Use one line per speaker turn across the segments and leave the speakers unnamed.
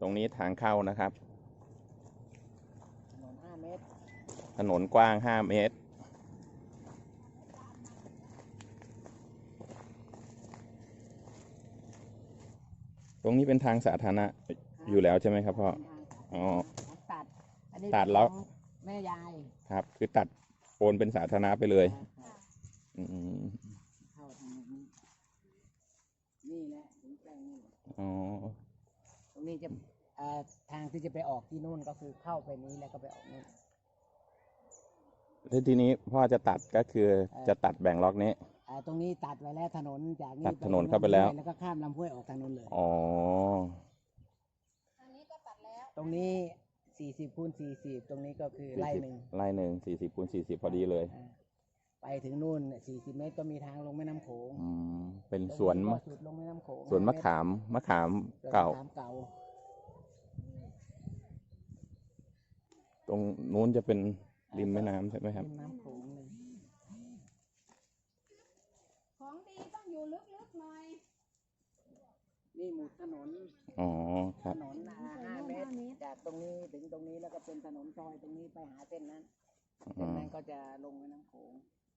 รงนี้ทางเข้านะครับ
ถนน5 เมตร
ถนนกว้าง5 เมตรตรงนี้เป็นทางสาธารณะอยู่แล้วใช่ไหมครับพ่ออ๋อ
อันนี้
ตัดแล้ว
แม่ยาย
ครับคือตัดโอนเป็นสาธารณะไปเลย
เข้าทางนี้นี่แหละถึงแปลงนี่
อ๋อ
ตรงนี้จะทางที่จะไปออกที่นู่นก็คือเข้าไปนี้แล้วก็ไปออกนู่น
แล้วทีนี้พ่อจะตัดก็คือจะตัดแบ่งล็อกนี้
ตรงนี้ตัดไว้แล้วถนนจากนี้
ตัดถนนเข้าไปแล้ว
ก็ข้ามลำห้วยออกทางนู้นเลย
อ๋อ
ทางนี้ก็ตัดแล้ว
ตรงนี้40 คูณ 40ตรงนี้ก็คือไร่หนึ่ง
40 คูณ 40พอดีเลย
ไปถึงนู่น40 เมตรก็มีทางลงแม่น้ำโขง
เป็นสวน
ลงแม่น้ำโขง
สวนมะขามเก่าตรงนู้นจะเป็นริมแม่น้ำใช่ไหมครับ
น้ำโขงเลย
ของดีต้องอยู่ลึกๆหน่อย
นี่หมุดถนน
อ๋อครับ
ถนน5 เมตรจากตรงนี้ถึงตรงนี้แล้วก็เป็นถนนซอยตรงนี้ไปหาเส้นนั้นก็จะลงแม่น้ำโขง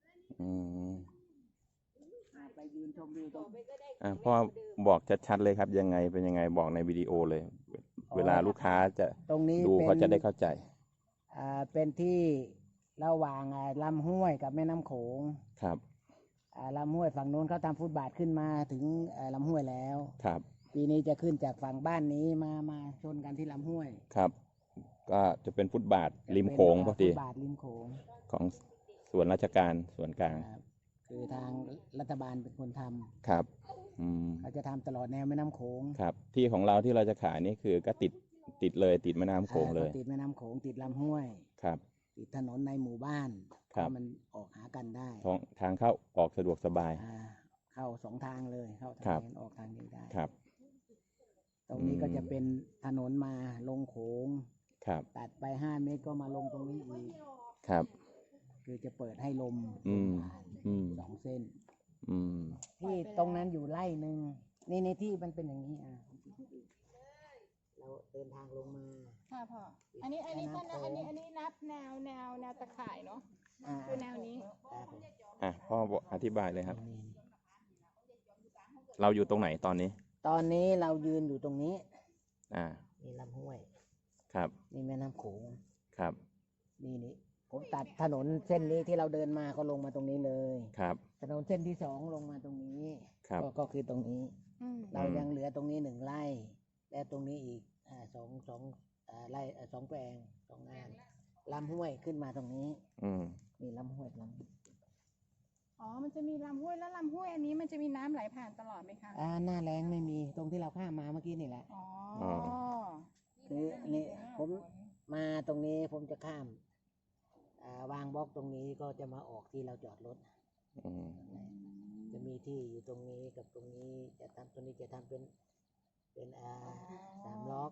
ไปยืนชมวิวตรง
พ่อบอกชัดๆเลยครับยังไงเป็นยังไงบอกในวิดีโอเลยเวลาลูกค้าจะดูเขาจะได้เข้าใจ
เป็นที่ระหว่างลำห้วยกับแม่น้ำโขง
ครับ
ลำห้วยฝั่งโน้นเขาทำฟุตบาทขึ้นมาถึงลำห้วยแล้ว
ครับ
ปีนี้จะขึ้นจากฝั่งบ้านนี้มาชนกันที่ลำห้วย
ครับก็จะเป็นฟุตบาทริมโขงพอดี
ฟุตบาทริมโขง
ของส่วนราชการส่วนกลาง
คือทางรัฐบาลเป็นคนทำ
ครับ
เขาจะทำตลอดแนวแม่น้ำโขง
ครับที่ของเราที่เราจะขายนี่คือก็ติดเลยติดแม่น้ำโขงเลย
ติดแม่น้ำโขงติดลำห้วย
ครับ
ติดถนนในหมู่บ้านมันออกหากันได้
ทางเข้าออกสะดวกสบาย
เข้า2 ทางเลยเข้าทางนี้ออกทางนี้ได้
ครับ
ตรงนี้ก็จะเป็นถนนมาลงโขง
ครับ
ตัดไป5 เมตรก็มาลงตรงนี้อีก
ครับ
คือจะเปิดให้ลม2 เส้นที่ตรงนั้นอยู่ไร่หนึ่งในที่มันเป็นอย่างนี้เราเดินทางลงมา
ค่ะพ่ออันนี้นับแนวตะข่ายเนาะคือแนวนี้
พ่ออธิบายเลยครับเราอยู่ตรงไหนตอนนี้
เรายืนอยู่ตรงนี้นี่ลำห้วย
ครับ
นี่แม่น้ำโขง
ครับ
นี่ผมตัดถนนเส้นนี้ที่เราเดินมาก็ลงมาตรงนี้เลย
ครับ
ถนนเส้นที่2ลงมาตรงนี้ก็คือตรงนี้เรายังเหลือตรงนี้1 ไร่และตรงนี้อีก2 ไร่2 แปลง2 งานลำห้วยขึ้นมาตรงนี้นี่ลำห้วย
มันจะมีลำห้วยแล้วลำห้วยอันนี้มันจะมีน้ำไหลผ่านตลอดไหมคะ
หน้าแล้งไม่มีตรงที่เราข้ามมาเมื่อกี้นี่แหละคือนี่ผมมาตรงนี้ผมจะข้ามวางบล็อกตรงนี้ก็จะมาออกที่เราจอดรถจะมีที่อยู่ตรงนี้กับตรงนี้จะทำตัวนี้จะทำเป็น3 ล็อก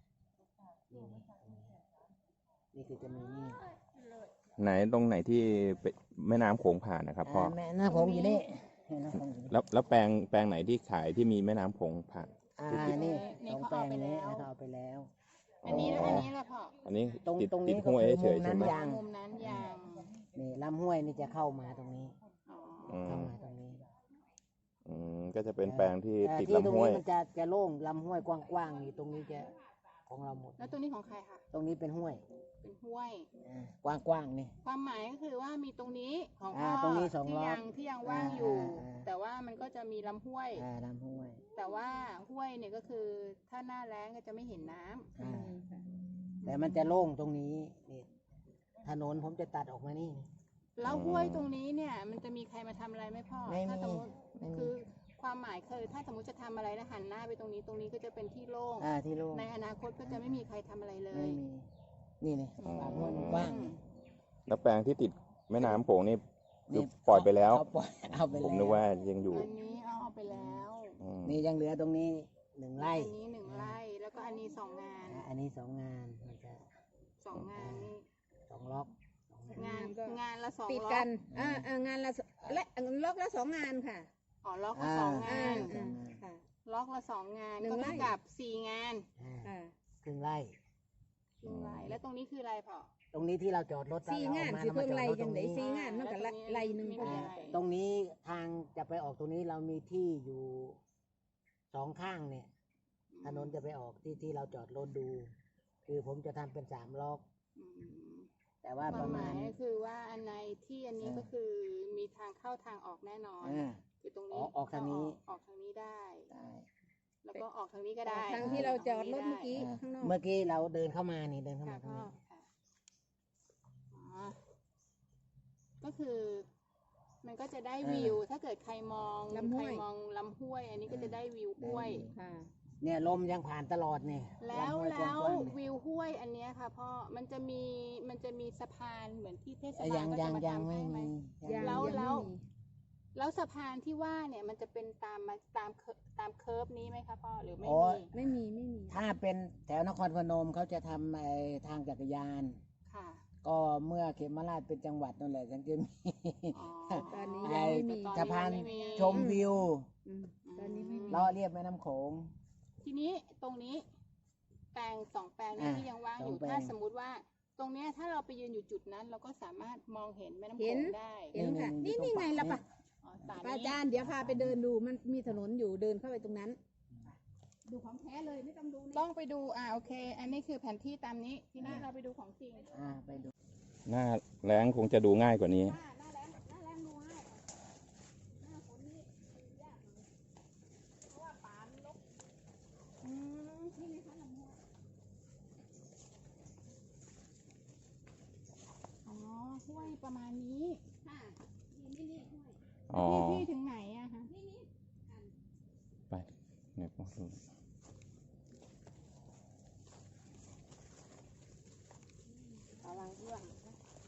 นี่คือจะมีนี่
ไหนตรงไหนที่แม่น้ำโขงผ่านนะครับพ่อ
แม่น้ำโขงอยู่นี่
แล้วแปลงไหนที่ขายที่มีแม่น้ำโขงผ่าน
นี่2 แปลงนี้เขาเอาไปแล้ว
อันนี้แหละพ่อ
อันนี้
ตรง
นี้
ห้วย
เฉยๆใช่ไหม
มุมนั้นยาง
นี่ลำห้วยนี่จะเข้ามาตรงนี้เข้ามาตรงนี้
ก็จะเป็นแปลงที่ติดลำห้วย
มันจะโล่งลำห้วยกว้างๆอยู่ตรงนี้จะของเราหมด
แล้วตรงนี้ของใครคะ
ตรงนี้เป็นห้วยกว้างๆนี่
ความหมายก็คือว่ามีตรงนี้ของพ่อ
ตรงนี้2 ล็อก
ที่ยังว่างอยู่แต่ว่ามันก็จะมีลำห้วยแต่ว่าห้วยเนี่ยก็คือถ้าหน้าแล้งก็จะไม่เห็นน้ำ
แต่มันจะโล่งตรงนี้นี่ถนนผมจะตัดออกมานี่
แล้วห้วยตรงนี้เนี่ยมันจะมีใครมาทำอะไรไหมพ่อถ้าสมมติคือความหมายคือถ้าสมมติจะทำอะไรแล้วหันหน้าไปตรงนี้ก็จะเป็นที่โล่งในอนาคตก็จะไม่มีใครทำอะไรเลย
นี่ปากห้วยมันกว้าง
แล้วแปลงที่ติดแม่น้ำโขงนี่ปล่อยไปแล้ว
ผ
มนึกว่ายังอยู่
อันนี้เอาไปแล้ว
นี่ยังเหลือตรงนี้1 ไร่
อันนี้1 ไร่แล้วก็อันนี้2 งาน
อันนี้2 งานมันจะ
2 งานนี่
2 ล็อก
งานละ2
ติดกันงานละและล็อกละ2 งานค่ะ
ล็อกละ2 งานค่ะล็อกละ2 งานก็เท่ากับ4 งาน
ไร่
แล้วตรงนี้คืออะไรพ่อ
ตรงนี้ที่เราจอดรถ
สี่งาน
แล้ว
สิ
เอ
เพิ่ง
มา
ไล่
จอดรถ
จังได๋
ตรงนี้
สี่งานมันก็ไล่หนึง
ไม่
ก็
มี
ได้
อะไร
ตรงนี้ทางจะไปออกตรงนี้เรามีที่อยู่2 ข้างเนี่ย ถนนจะไปออกที่เราจอดรถดู คือผมจะทำเป็น3 ล็อก
อืม
แต่ว่า
ค
ป
วาม
ระ
ห
มา
มา
ณ
ยก็คือว่าอันในที่อันนี้
เออ
ก็คือมีทางเข้าทางออกแน่นอน
อ่า
คือตรงนี้
ออกทางนี้
ออกทางนี้ได้
ได้
แล้วก็ออกทางนี้ก็ได้
ทางที่เราจอดรถเมื่อกี้ข้างนอก
เมื่อกี้เราเดินเข้ามานี่เดินเข้า
ค่ะ
มาตรง
พ่อ
นี้
ค่ะอ๋อก็คือ มันก็จะได้วิว ถ้าเกิดใครมอง
ลำห้
ใคร
วย
มองลำห้วย อันนี้ก็จะได้วิวห้วย
ค่ะ
เนี่ยลมยังผ่านตลอดเนี่ย
แล้ว
ำห้ย
แล้ว
กางๆเนี่ย
วิวห้วยอันเนี้ยค่ะพ่อมันจะมีสะพานเหมือนที่เทศ
เอ้ย
บาลก็
ยั
จะ
ง
มา
ยัง
ทำ
ไม่
ให้ไหม
มี
ยัง
แล้ว
ยังไม่มี
แล้วสะพานที่ว่าเนี่ยมันจะเป็นตามเคิร์ฟนี้ไหมคะพ่อหรือไม่
โอ้
มี
ย
ไม่มี
ถ้าเป็นแถวนครพนมเขาจะทำทางจักรยาน
ค่ะ
ก็เมื่อเขมราชเป็นจังหวัดนั่นแหละถึงจะมี
อ๋อ
ตอนนี้
ไอ้
ยังไม่มี
ตอน
สะพาน
ไม่มี
ชมวิว
อืมตอนนี้ไม่มี
ล้อเรียบแม่น้ำโขง
ทีนี้ตรงนี้แปลง2 แปลงนี้
อ่า
ที่ยังว่างอยู่
2 แปลง
ถ้าสมมุติว่า ตรงเนี้ยถ้าเราไปยืนอยู่จุดนั้น เราก็สามารถมองเห็นแม่น้ำโข
เห็น
งได้
เห็นค่ะ
นี่
นี่
นี่
นี่ไง
ตรง
ล่ะ
ปาก
ปะ
อ๋อสา
ป้า
นี้
จารย์เดี๋ยวพาไปเดินดูมันมีถนนอยู่เดินเข้าไปตรงนั้น ดูของแท้เลยไม่ต้องดูใน
ต้องไปดูโอเค อันนี้คือแผนที่ตามนี้ทีนี้เราไปดูของจริง
ไปดู
หน้าแล้งคงจะดูง่ายกว่านี้
หน้าแรงดูง่ายหน้าฝนนี่ดูยากหน่อยเพราะว่าป่ามันรกนี่ไงคะลำห้วย
อ๋อห้วยประมาณนี้
ค่ะนี่ห้วย
อ๋อ
พี่ถึงไหนอะคะ
ไปเนี่ยพอดู
กำลังเรื่อง
นี่ไง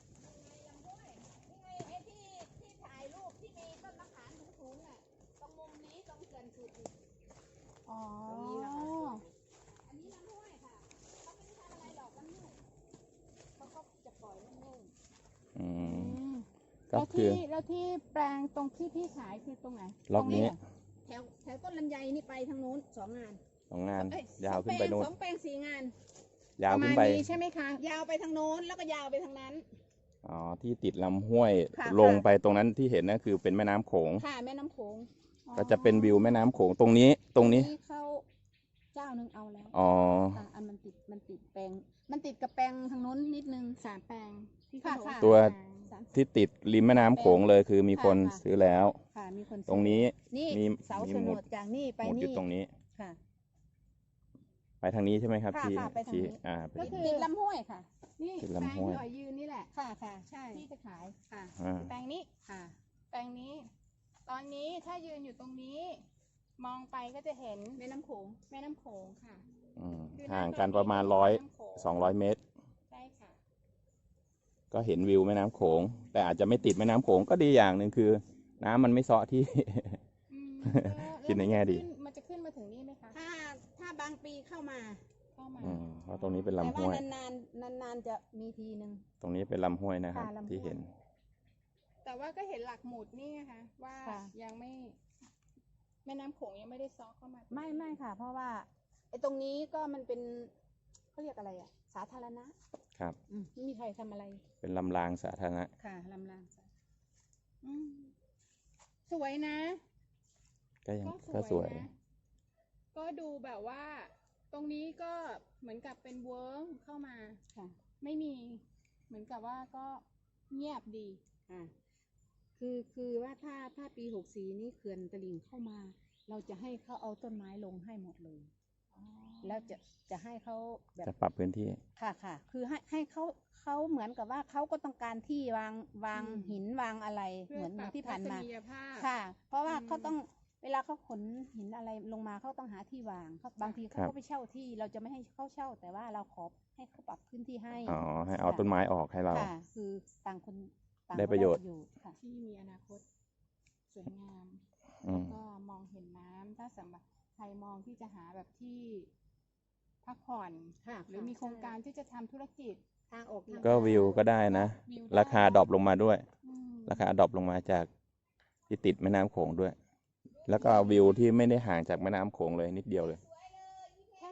ไอ้ที่ถ่ายรูปที่มีต้นมะขามสูงๆน่ะตรงมุมนี้ตรงเขื่อนสุดนี่
อ๋อ
ตรงนี้นะคะอันนี้ลำห้วยค่ะเขาไม่ได้ทำอะไรหรอกลำห้วยเขาก็จะปล่อยโล่ง
อืม
อืม
ก็คือ
แล้วที่แปลงตรงที่พี่ขายคือตรงไหน
ล็อกนี้
ตรงเหร
แถวต้นลำไยนี่ไปทางโน้น2 งาน
2 งาน
เอ้
ยาวขึ้นไปโน่น
สองแปลง4 งาน
ยาว
ประ
ขึ้
มาน ณ
ไป
นี้ใช่ไหมคะ
ยาวไปทางโน้นแล้วก็ยาวไปทางนั้น
อ๋อ ที่ติดลำห้วย
ค่ะ
ลงไปตรงนั้นที่เห็นนะคือเป็นแม่น้ำโขง
ค่ะแม่น้ำโขง
ก็จะเป็นวิวแม่น้ำโขงตรงนี้ ตรงนี้
เขาเจ้านึงเอาแล้ว
อ๋อ
ค่ะอันมันติดแปลง มันติดกับแปลงทางโน้นนิดนึง
3 แปลงที่
ค่ะ
เขาบอก
ค่ะ
ตัว
3
ที่ติดริมแม่น้ำโขงเลยคือมีคน
ค่ะ
ซื้อแล้ว
ค่ะมีคนซื้อ
ตรงนี้
นี่
มี
เสา
มี
โฉ
ห
น
มุด
ดจากนี่ไป
หมุดอ
นี่
ยู่ตรงนี้
ค่ะ
ไปทางนี้ใช่ไหมครับ
ค่ะ
ที่
ค่ะไปทาง
ที่
นี้
ไป
ก็คือ
ติดลำห้วยค่ะ
นี่
ติด
แปลง
ลำห้วย
ที่อ๋อยยืนนี่แหละ
ค่ะค่ะใช่
ที่จะขาย
ค่ะ
อ่า
แปลงนี้
ค่ะ
แปลงนี้ ตอนนี้ถ้ายืนอยู่ตรงนี้ มองไปก็จะเห็น
แม่น้ำโขง
แม่น้ำโขงค่ะ
อืม
คือ
ห่าง
ตร
กันประมาณ
แน้ำโขง
200 เมตร
ใช่ค่ะ
ก็เห็นวิวแม่น้ำโขง แต่อาจจะไม่ติดแม่น้ำโขงก็ดีอย่างหนึ่งคือ น้ำมันไม่เซาะที่
อืม
คิดในแง่ดี
มันจะขึ้นมาถึงนี่ไหมคะ
ถ้าบางปีเข้ามา
เข้ามา
อืมเพราะตรงนี้เป็น
แต่
ลำห้
ว่า
วย
นานๆจะมีทีนึง
ตรงนี้เป็นลำห้วยนะครับ
ค่ะลำห้วย
ที่เห็น
แต่ว่าก็เห็นหลักหมุดนี่ไงคะว่า
ค่ะ
ยังไม่ แม่น้ำโขงยังไม่ได้ซ้อเข้ามา
ไม่ค่ะ เพราะว่าไอ้ตรงนี้ก็มันเป็นเขาเรียกอะไรอ่ะ สาธารณะ
ครับ
ไม่มีใครทำอะไร
เป็นลำรางสาธารณะ
ค่ะลำลาง
อืมสวยนะ
ก็ยัง
ก็
ก็
ส
ส
ว
วย ย
นะ ก็ดูแบบว่า ตรงนี้ก็เหมือนกับเป็นเวิร์กเข้ามา
ค่ะ
ไม่มี เหมือนกับว่าก็เงียบดี
อ่าคือว่าถ้าปี64นี่เขื่อนตลิ่งเข้ามา เราจะให้เขาเอาต้นไม้ลงให้หมดเลย แล้วจะให้เขาแบบ
จะปรับพื้นที่
ค่ะคือให้เขาเหมือนกับว่าเขาก็ต้องการที่วางหินวางอะไร
เพื่อ
เหมือน
ปรับ
ที่ผ่านมา
ทัศนียภาพ
ค่ะ เพราะว่า
อืม
เขาต้องเวลาเขาขนหินอะไรลงมาเขาต้องหาที่วางบางทีเขา
ครับ
ก็ไปเช่าที่เราจะไม่ให้เขาเช่า แต่ว่าเราขอให้เขาปรับพื้นที่ให้
อ๋อ ให้เอาต้นไม้ออกให้เรา
ค่ะ คือต่างคนต่าง
ได้ประโยชน์
ค่ะ
ที่มีอนาคตสวยงาม
อืม
ก็มองเห็นน้ำถ้าสำหรับใครมองที่จะหาแบบที่พักผ่อน
ค่ะ
หรือมีโครงการที่จะทำธุรกิจ
ทางออกทาง
ก็วิวก็ได้นะ
วิวได้
ราคาดรอปลงมาด้วย
อืม
ราคาดรอปลงมาจากที่ติดแม่น้ำโขงด้วย แล้วก็วิวที่ไม่ได้ห่างจากแม่น้ำโขงเลยนิดเดียวเลย
ถ้าเกิดว่า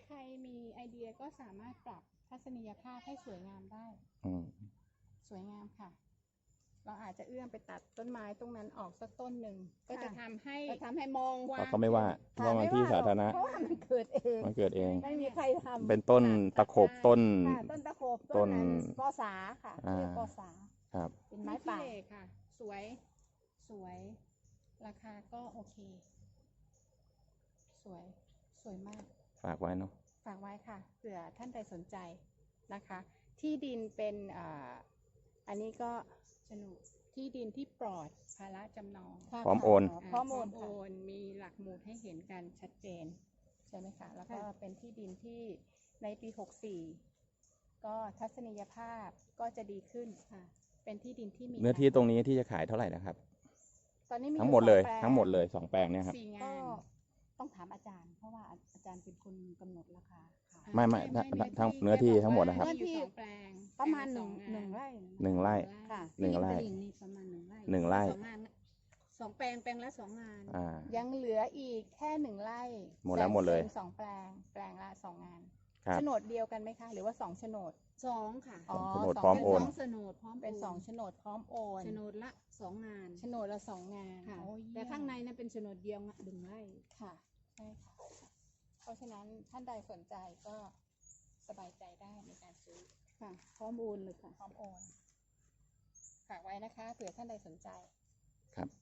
ใครมีไอเดียก็สามารถปรับทัศนียภาพให้สวยงามได้ สวยงามค่ะ เราอาจจะเอื้อมไปตัดต้นไม้ตรงนั้นออกสักต้นหนึ่งก็จะทำให้มองว่า
เขาไม่ว่ามันที่สาธารณะ
เพราะว่ามันเกิดเอง
มันเกิดเอง
ไม่มีใครทำ
เป็นต้นตะขบต้น
ค่ะต้นตะโขบ
ต้
ต้
น
นกอสาค่ะเรียกกอสา
ครับ
เป็นไม้
ไม้
ป่า
ป่าค่ะ สวย สวย ราคาก็โอเค สวย สวยมาก
ฝากไว้เนาะ
ฝากไว้ค่ะเผื่อท่านใดสนใจนะคะ ที่ดินเป็นอันนี้ก็โฉนดที่ดินที่ปลอดภาระจำนอง
พร้อมโอน
พร้อมโอน
โอนมีหลักหมุดให้เห็นกันชัดเจนใช่ไหมคะแล้วก็เป็นที่ดินที่ในปี 64 ก็ทัศนียภาพก็จะดีขึ้นค่ะเป็นที่ดินที่มี
เนื้อที่ตรงนี้ที่จะขายเท่าไหร่นะครับ
ตอนนี้มี
ทั้งหมดเลย
2แปง
ทั้งหมดเลย2 แปลงเนี่ยครับ
4
ก็
งาน
ต้องถามอาจารย์ เพราะว่าอาจารย์เป็นคนกำหนดราคาขาย
ไม่ทั้งเนื้อที่ทั้งหมดนะครับ
เนื้อที่2แปลง
ประมาณ
แปลงละ
หนึ่ง
2
ไร่
1 ไร่
ค่ะ
หนึ่งไร่
ที่ริมตลิ่งนี่ประมาณ1 ไร่
1 ไร่
สองงาน2 แปลงแปลงละ 2 งาน
ยังเหลืออีกแค่1 ไร่
หมดแล้วหมดเลย
แบ่งเป็น2 แปลง แปลงละ 2 งาน
ครับ
โฉนดเดียวกันไหมคะ หรือว่า2โฉนด
2 ค่ะ
อ๋อ
โฉนด
สง
พร้อมโอน
สองโฉนดพร้อม
เป็น2โฉนดพร้อมโอน
โฉนดละ 2 งาน
โฉนดละ2 งาน
ค่ะ
โอ้ย
แต่ข้างในนั้นเป็นโฉนดเดียว1 ไร่
ค่ะใช่ค่ะ เพราะฉะนั้นท่านใดสนใจก็สบายใจได้ในการซื้อ
ค่ะ พร้อมโอนเลยค่ะ
พร้อมโอนฝากไว้นะคะเผื่อท่านใดสนใจ
ครับ